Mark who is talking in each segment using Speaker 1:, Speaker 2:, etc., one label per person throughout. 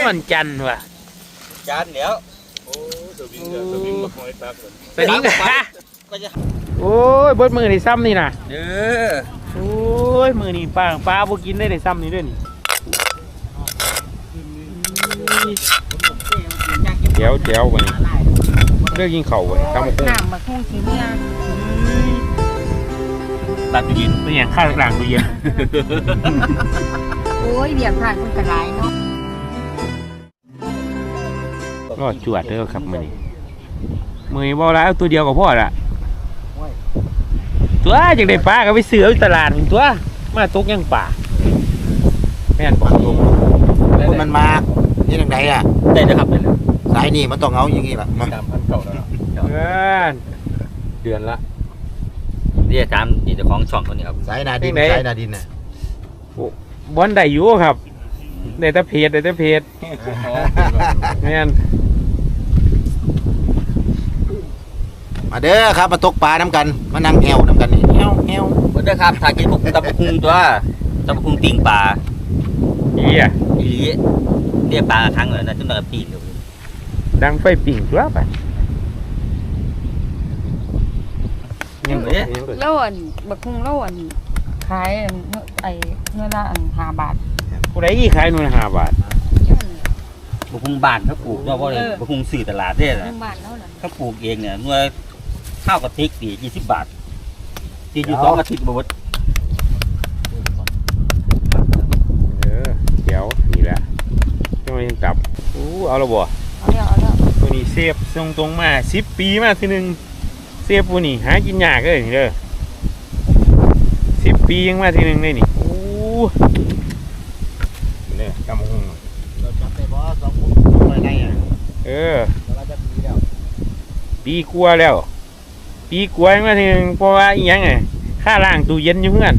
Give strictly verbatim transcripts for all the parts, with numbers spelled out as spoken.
Speaker 1: วันจันทร์ว่ะ
Speaker 2: จันเดี๋ยว
Speaker 3: โอ้สวิงเดือดสวิงมาคอยตักเลย
Speaker 1: สวิงกันโอ้ยเบิดมือในซ้ำนี่นะ
Speaker 2: เออ
Speaker 1: โอ้ยมือนี่ป้าป้าพวกกินได้ในซ้ำนี่ด้วยนี่เดี๋ยวเดี๋ยวไปเลือกยิงเข่าไปทำมาคุ้ง
Speaker 4: น้ำมาคุ้งสีเมีย
Speaker 1: ตัดตู้เย็นเป็นอย่างข้าวกลางตู้เย็น
Speaker 4: โอ้ยเบียร์ผ่านคนกระไรเนาะ
Speaker 1: ก็จวดเด้อครับมือนี้มือนี้บอกแล้วตัวเดียวกับพ่อละตัวจากได้ปลาก็ไปซื้อตลาดตัวมาตกยังป่าแม่นบอกตรง
Speaker 5: มันมานี่ทางไหนอ่ะ
Speaker 2: ได้เลยครับได้เลย
Speaker 5: สายนี่มันต้องเอาอย่างนี้แหละ
Speaker 3: สามพันเก่าแล้วเดือนละ
Speaker 2: เรียกตามนี่เจ้าของช่องคนนี้ครับ
Speaker 5: สายนาดินสายนาดินน่ะ
Speaker 1: บอลได้อยู่ครับได้แต่เพจได้แต่เพจแม่น
Speaker 5: มาเด้อครับมาตกปลาน้ำกันมานั่งแอวน้ำกันนี่แอวแอว
Speaker 2: มาเด้อครับถ้ากินพวกตะปุงตัวตะปุงติ่งปลา
Speaker 1: เหี้ย
Speaker 2: อีเรียกปลาครั้งเลยนะจนแบบปีนเลย
Speaker 1: ดังไฟปิ่งตัวไป
Speaker 2: ยังไง
Speaker 4: เล่าอันบักคุ้งเล่าอันขายไอ้เนื้อละอันห้าบาท
Speaker 1: ผู้ใดยี่ขายนู่นห้าบาท
Speaker 2: บุคุงบานเขาปลูกเราเพราะอะไรบุคุงสื่อตลาดเนี่ยนะเขาปลูกเองเนี่ยเมื่อข้าวกะทิดียี่สิบบาทตีอยู่สองอาทิตย์บวช
Speaker 1: เออเดี๋ยวนี่แหละจะมาจับอู้เอาละบ่
Speaker 4: เอาแล้วเอาแล้ว
Speaker 1: ตัวนี้เสียบตรงตรงมาสิบปีมาทีหนึ่งเสียบตัวนี้หากินยากเลยนี่เด้อสิบปียังมาทีหนึ่งเลยนี่อู้เนี่ยกำหง
Speaker 5: เราจับไปบ่สองคนไปไงอ่ะ
Speaker 1: เออเราจะปีแล้วปีกลัวแล้วปีกลัวยังมาทีหนึ่งเพราะว่าอีหยังไงค่าล่างตู้เย็นอยู่เพื่อน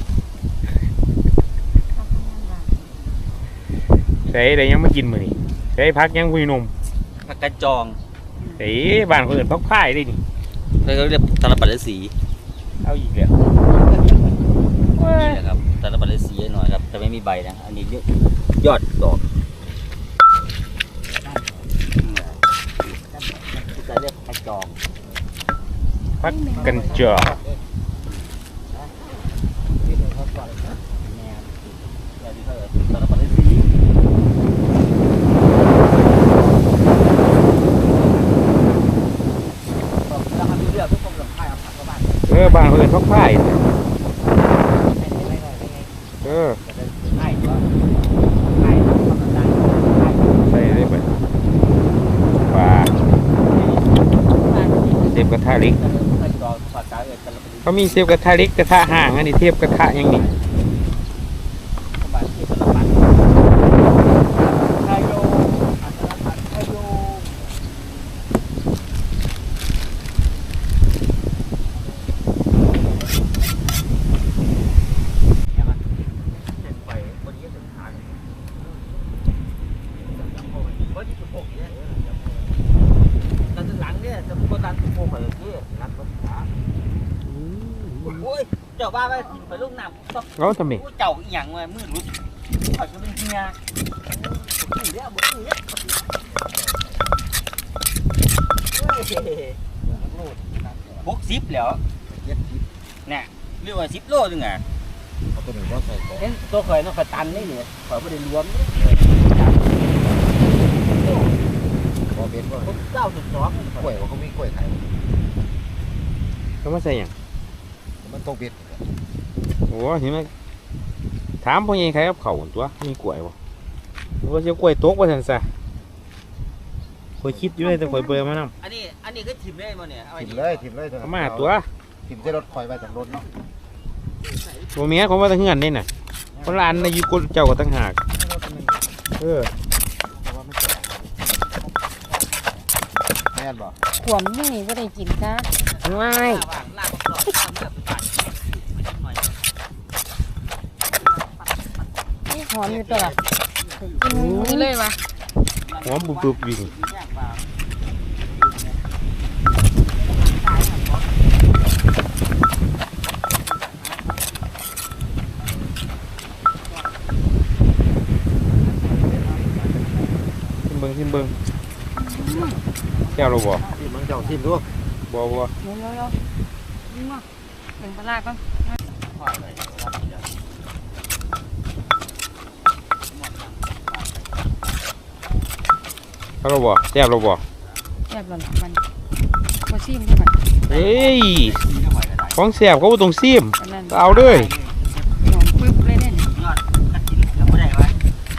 Speaker 1: ใส่ได้ยังไม่กินมื้อนี้ใส่พักยังคุยนม
Speaker 2: ผักกระจอง
Speaker 1: ใส่บ้านคนอื่นพักพ่ายได้นี่
Speaker 2: เขาเรียกตาลปัดสี
Speaker 1: เอาอีกแล้ว
Speaker 2: นี่แหละครับตาลปัดสีหน่อยครับแต่ไม่มีใบนะอันนี้ยอดดอกจะเรียกผักกระจอง
Speaker 1: พักกันจอเออบ้านคนอื่นพักพ่ายเออใส่ได้ไปปลาเทียบกระทะเล็กเขามีเทียบกระทะเล็กกระทะห่างอันนี้เทียบกระทะยังนี่
Speaker 2: เจ้าบ้าไปไปลูกน้ำ
Speaker 1: เขาทำไม
Speaker 2: เจ้าอีหยังมามืดรุดเขาจะเป็นเฮียพกซิปแล้วเนี่ยเรียกว่าซิปโลนึงอ่ะ
Speaker 5: ตัวหนึ่งก็ใส่
Speaker 2: เห็นตัวเคยน้องเคยตันนี่เนี่ยเคยไม่ได้รวม
Speaker 5: พอเป็นว่า
Speaker 2: เก้าจุดสอง
Speaker 5: กล้วยว่าเขามีกล้วยขาย
Speaker 1: เขาไม่ใส่ยัง
Speaker 5: มันต้องเป็น
Speaker 1: โอ้เห็นไหมถามพ่อยังใครกับเขาตัวมีกล้วยบ่ว่าจะกล้วยโต๊ะว่าทันซะคอยคิดอยู่เลยแต่คอยเบื่อมาน้
Speaker 2: ำอันนี้อันนี้ก็ถิ่มได้มาเนี่ย
Speaker 5: ถิ่มเลยถิ่มเลย
Speaker 1: มาตัว
Speaker 5: ถิ่มใส่รถคอยไปจากรถเนาะ
Speaker 1: ตัวเมียเขาว่าตั้งเงินได้น่ะคนละอันในยุคเจ้าก็ตั้งหากเออ
Speaker 5: แม่นบ่
Speaker 4: ขวมนี่ก็ได้กินจ้า
Speaker 1: ง่าย
Speaker 4: หอมอยู่ตัวกินนี่เลยวะ
Speaker 1: หอมบุบๆวิ่ง
Speaker 5: เ
Speaker 1: ชิมเบิ้งแก้วเราบ่
Speaker 5: ที่มึงเจ้าทิมดู
Speaker 1: บ่บ่
Speaker 4: เดี๋ยวเดี๋ยวเดี๋ยวนี่มาเป็นปลาร้าก่อน
Speaker 1: เขาเราบ่แก้วเราบ่
Speaker 4: แซ่บแล้วล่ะมันบ่ซิมได้ไหม
Speaker 1: เฮ้ยของแซ่บเขาบ่ต้องซิม
Speaker 4: อันนั้น
Speaker 1: เอาเลย
Speaker 4: หอมปึ๊บเลยเนี่ย
Speaker 2: ยอดกระถิ่นเราไม่ได้ไว้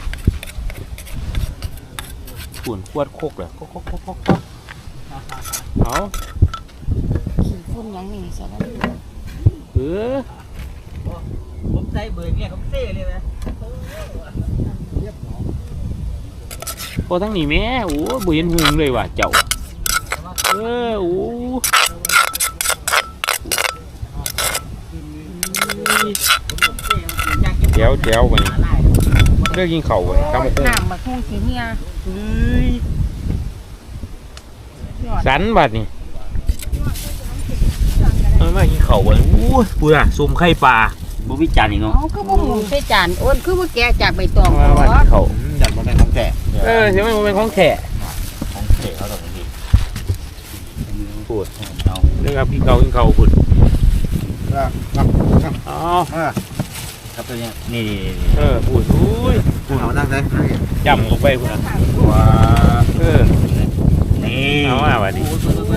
Speaker 1: ขุ่นขวดโคกเลยโคกโคกโคกโคกเอา
Speaker 4: ขี้ฝุ่นหยังนี่ซะแล้ว
Speaker 1: เออ
Speaker 2: ผมใส่เบอร์เนี่ยผมเซ่เลยนะ
Speaker 1: พอทั้งนี้แม่โอ้บ่เห็นหุงเลยว่ะเจ้าเออโอ้แจ๋วแจ๋วไปเลิกกินข้าวไปทำกุ้ง
Speaker 4: น้ำบักฮุ่งสีเฮีย
Speaker 1: สันบัดนี่เอามากินข้าวไปโอ้ยพูดอ่ะซุ่มไข่ปลา
Speaker 2: บุวิจารณ์อีกเนาะ
Speaker 4: เอาคือบ่หมุนใส่จานโอนคือบ่แกะจากใบตอง
Speaker 1: มามากินข้าว
Speaker 5: อยากมาเป็นของแก่
Speaker 1: เออใช่ไหมมันเป็นของแขก
Speaker 2: ของเก๋เขาตรงนี้
Speaker 1: พูด
Speaker 2: เอา
Speaker 1: เรื่องกินข้าวกินข้าวพูด
Speaker 5: อ่ะอ่ะ
Speaker 1: อ๋อ
Speaker 5: อ่ะ
Speaker 2: ครับตัวเนี้ยนี่
Speaker 1: เออพูดอุ้ย
Speaker 5: เอานั่งเลย
Speaker 1: จำลงไปพูดอ่ะ
Speaker 5: ว้า
Speaker 1: เออ
Speaker 2: นี่
Speaker 1: เอาอ่ะบัดนี้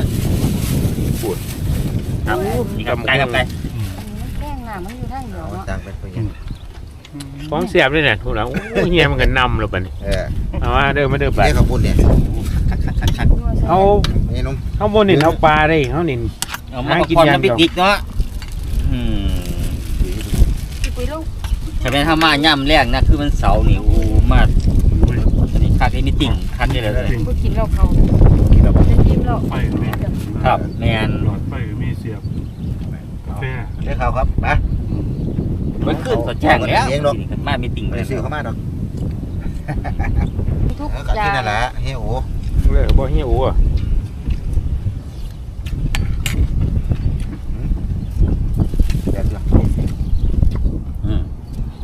Speaker 2: ครับนี่กับไก่กับไก่
Speaker 4: แข้งน้ำมันอยู่ทางเดียว
Speaker 5: เอา
Speaker 4: เนาะ
Speaker 5: ตังไปเป็นยัง
Speaker 1: ของเสียบเลยเนี่ยพูดแล้วโอ้ยเฮียมันก็นำแล้วบัดนี้
Speaker 5: เออ
Speaker 1: เอามาเด้อมาเด้อบัด
Speaker 5: นี่เขาพูดเนี่ย
Speaker 1: เอา
Speaker 5: นี่นุ่ม
Speaker 1: เอาบนนินเอาปลาได้เขานิน
Speaker 2: เอามากินยำบิ๊กๆเนาะอืม
Speaker 4: ไปลูก
Speaker 2: ถ้าเป็นถ้ามาย่ำแรกนะคือมันเสาร์นี่โอ้มาอันนี้คักนี่มีติ่งคักนี่เลย
Speaker 4: บ่กินแล้วเขาจะกินแล้ว
Speaker 3: ไฟก็มี
Speaker 2: ครับแมน
Speaker 3: หลอดไฟก็มีเสียบกาแฟ
Speaker 5: ได้ข่าวครับมา
Speaker 2: มันขึ้นต่อแจ้งแล้วมามีติ่ง
Speaker 5: ไม่ได้ซื้อเข้ามาดอก
Speaker 4: ทุก
Speaker 5: เออก็
Speaker 4: อย่า
Speaker 5: กิน
Speaker 4: ง
Speaker 5: นั่นแหละเฮ้ยโอ้
Speaker 1: เลยบ่เฮียโอ้อะ
Speaker 5: เดี๋ยวเดี๋ยว
Speaker 2: อืม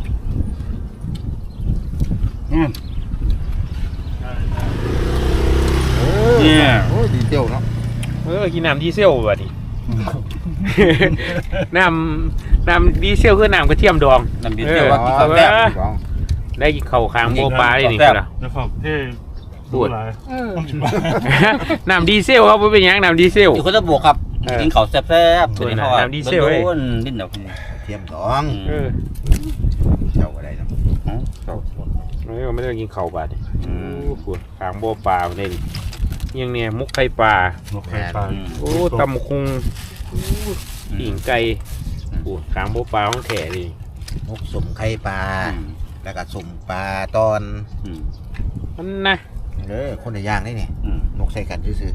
Speaker 3: อืม
Speaker 5: เออโอ้ยดีเจียวเนาะ
Speaker 1: เออกินน้ำดีเซลบัดนี้ น้ำน้ำดีเซลคือน้ำกระเทียมดอง
Speaker 2: น้ำดีเซลว่ากินกาแฟ
Speaker 1: ได้กินข้าวค้างโบปลาได้นี่ครับ
Speaker 3: แล้วก็เท่
Speaker 1: พูด
Speaker 3: หลาย
Speaker 4: เออ
Speaker 1: น้ำดีเซลครับบ่เป็นหยังน้ำดีเซล
Speaker 2: อยู่คนละบวกครับกินข้าวแซ่บๆตัวนี้เขาว่า
Speaker 1: น้ำดีเซลเว้ย
Speaker 2: โดนดิ้นดอกนี่
Speaker 5: เทียมดอง
Speaker 1: เออ
Speaker 5: เจ้าอะไรเนาะ
Speaker 1: ไม่ไม่ได้กินข้าวบาดนี่โอ้พูดค้างโบปลาได้นี่ยังเนี่ยมุกไข่ปลาน
Speaker 3: กไข่ปลา
Speaker 1: โอ้ตำคุงปิ่งไก่พูดค้างโบปลาของแท้ดิ
Speaker 5: มุกสุ่มไข่ปลาแล้วก็สุ่มปลาตอน
Speaker 1: มันนะ
Speaker 5: เออคนในย่างนี่นี่นกใส่กันซื่อ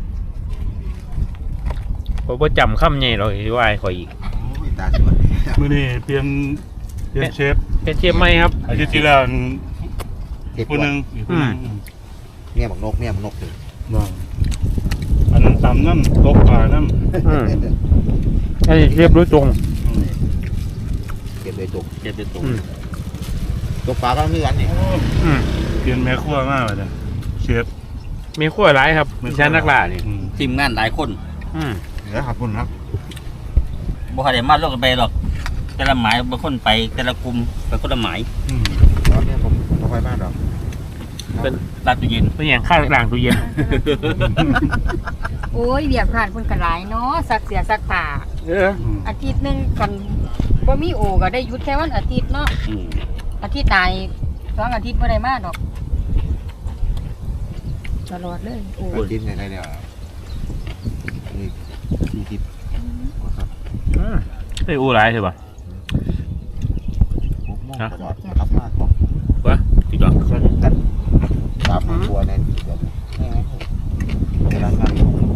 Speaker 1: เพราะว่าจำคำใหญ่เราอีกว่าขออีก
Speaker 5: ๆโอ้ยตาสวย
Speaker 3: มื่อนี้เปลี่ยนเปลี่ยนเชฟ
Speaker 1: เป็นเชฟไหมครับ
Speaker 3: อาทิตย์ที่แล้ว
Speaker 5: เก็บ
Speaker 3: คนหนึ่งอีกคนหนึ่ง
Speaker 5: เมียบักนกเมียบักนกเลย
Speaker 3: ว่างอันนั้นตำน้ำตกปลาน้
Speaker 1: อืมอันนี้เชฟโดยตรง
Speaker 3: ำอืม
Speaker 5: เก็บเลยตก
Speaker 2: เจ็บเป็นตัว
Speaker 1: อืม
Speaker 5: ตกปลาก็มีกันนี่
Speaker 1: อืม
Speaker 3: เปลี่ยนแม่ครัวมากเลยจ้ะเชฟ
Speaker 1: มีขั้วร้ายครับมีชั้นนักล่านี่
Speaker 3: อืม
Speaker 2: ทีมงานหลายคน
Speaker 1: อืม
Speaker 5: เหลือขอบคุณครับ
Speaker 2: บ่ให้ได้มาลงกันไปหรอกแต่ละหมายบางคนไปแต่ละกลุ่มไปคนละหมาย
Speaker 3: อืม
Speaker 5: ตอนนี้ผมไม่ค่อยมาดอก
Speaker 2: ลาดตู้เย็น
Speaker 1: เป็นอย่างข้าวหลังตู้เย็น
Speaker 4: โอ้ยเบียบผ่านเพิ่นก็หลายเนาะสักเสียสักผ้า
Speaker 1: เออ
Speaker 3: อืม
Speaker 4: อาทิตย์หนึงกันบ่มีโอก็ได้หยุดแค่วันอาทิตย์เนาะ
Speaker 2: อืม
Speaker 4: อาทิตย์ตายสองอาทิตย์บ่ได้มาดอกตลอดเลยโอ้
Speaker 5: ไปกินอะไรเดี๋ยวนี่สี่สิบครับ
Speaker 1: อืมไอ้อูร้ายใช่ป่ะ
Speaker 5: หกโมงตลอดครับมากครับ
Speaker 1: วะติดก่อน
Speaker 5: กันตามครัวในเดี๋ยวเวลางาน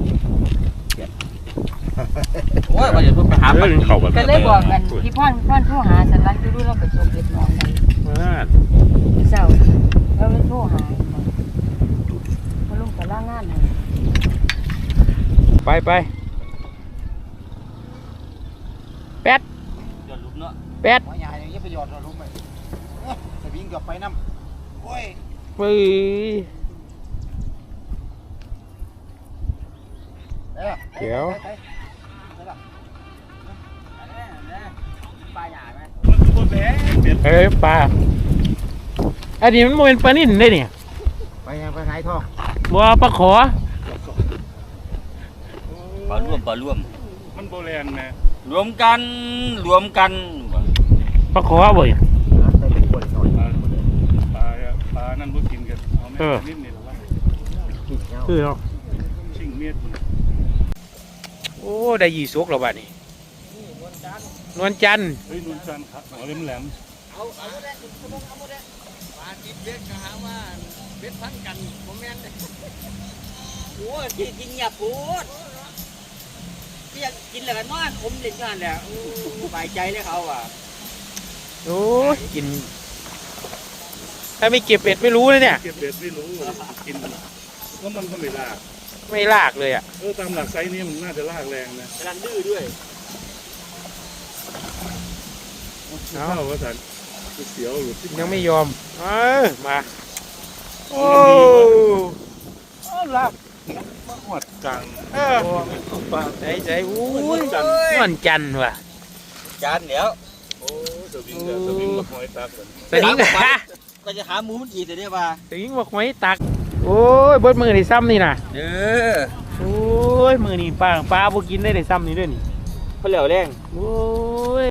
Speaker 2: โอ้ยว่าจะไปหา
Speaker 1: เออเข้าแบบ
Speaker 4: ก็เลยบอกกันพี่พ่อนพ่อนโทรหาสันรันดูดูเราไปส่งเด็กน้องกัน
Speaker 1: ว่า
Speaker 4: เจ้าเราเลยโทรหาพอลุงก็ล่างานให้
Speaker 1: ไปไปแป๊ด
Speaker 2: ย้อนลุกเนาะ
Speaker 1: แป๊ด
Speaker 5: หัวใหญ่ยังไปหยอดเราลุ้มไปสวิงกับไปน้ำโอ้ย
Speaker 1: เฮ้ยเดี๋ยว
Speaker 2: ปลาหยาไหม
Speaker 3: มันคือบ่แหลเบ็ด
Speaker 1: เอ้ยปลาอันนี้มันบ่เป็นปลานิ่นได้เนี่ย
Speaker 5: ไปยังไปไหนทอง
Speaker 1: บัวปลาขอ
Speaker 2: ปลาร่วมปลาร่วม
Speaker 3: มันบ่แลนแม่
Speaker 2: รวมกันรวมกัน
Speaker 1: ปลาขอบ่อย
Speaker 5: ไปเป็นคนหน่อย
Speaker 3: ปลาปลาปลานั่นบ่กินกันเอาแม่นิดนี่ล่ะ
Speaker 5: กินเงา
Speaker 1: คือเนาะ
Speaker 3: ชิงเมียด
Speaker 1: โอ้ได้ยี่สกแล้วบัดนี้นวลจันทร์
Speaker 3: เฮ้ยนุ่นจันทร์ครับหัวแหลม
Speaker 2: เอาเอาหมดเลยเอาหมดเลยปลาติดเบ็ดก็หาว่าเบ็ดพันกันผมแม่นโอ้ยกินเงียบพูดที่อยากกินแล้วกันนอนผมเล่นงานแหละสบายใจเลยเขาอ่ะ
Speaker 1: โอ้ยกินถ้าไม่เก็บเบ็ดไม่รู้เลยเนี่ย
Speaker 3: ๆเก็บเบ็ดไม่รู้กินแล้วมันก็ไม่ลาก
Speaker 1: ไม่ลากเลยอ่ะ
Speaker 3: เออตามหลักไซส์นี้มันน่าจะลากแรงนะ
Speaker 2: กำลังดื้อด้วย
Speaker 3: เข้าว่าสันเสียวหลุดที่
Speaker 1: ยังไม่ยอมเออมาโอ้ลาก
Speaker 3: มาหวดกลาง
Speaker 1: เออ
Speaker 3: ปลา
Speaker 1: ใจใจอู้ย
Speaker 3: จัน
Speaker 1: นวลจันทร์ว่ะ
Speaker 2: จานเดี๋ยว
Speaker 3: โอ้สวิงเดี๋ยวสวิงมาคอยตักกัน
Speaker 1: สนิงฮะ
Speaker 2: ก็จะหาหมูมันกี่แต่เนี่ยว่า
Speaker 1: สนิงบอกไว้ตักโอ้ยเบิดมือได้ซ้ำนี่นะ
Speaker 2: เออ
Speaker 1: โอ้ยมือนี่ป้าป้าบ่กินได้ได้ซ้ำนี่ด้วยนี่
Speaker 2: เขาเหลียวแรง
Speaker 1: โอ้ย